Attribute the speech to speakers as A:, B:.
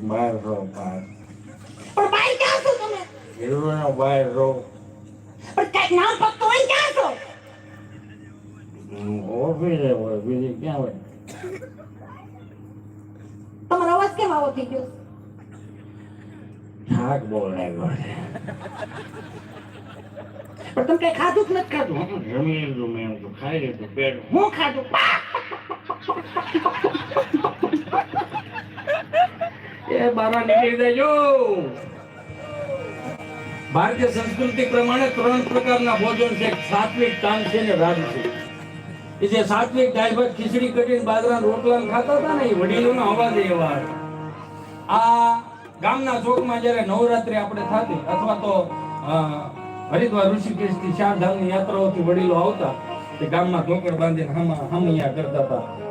A: બહાર રહો બહાર.
B: પણ બહાર ક્યાં છો તમે?
A: હીરોનો બહાર રહો.
B: પણ કઈક નામ ફક્ત હોય ક્યાં છો?
A: ઓફિસે હોય બીજી ક્યાં હોય?
B: તમારો અવાજ કેમ આવો થઈ ગયો?
A: થાક બહુ લાગ્યો છે.
B: પણ તમે કઈ ખાધું જ નથી ખાધું?
A: જમી લીધું મેં તો ખાઈ લીધું પેટ.
B: હું ખાધું?
A: એ બાબા નીકળી દેજો. ભારતીય સંસ્કૃતિ પ્રમાણે 3 પ્રકારના ભોજન છે: સાત્વિક, તામસિક અને રાજસિક. એ જે સાત્વિક દાળ ભાત ખીચડી કઢી બાજરાના રોટલા ખાતા હતા ને એ વડીલોના અવાજ એવા હતા. આ ગામના ચોકમાં જ્યારે નવરાત્રી આપણે થતી અથવા તો હરિદ્વાર ઋષિકેશથી 4 ધામની યાત્રાઓથી વડીલો આવતા તે ગામમાં ઢોકળ બાંધીને હમિયા કરતા હતા.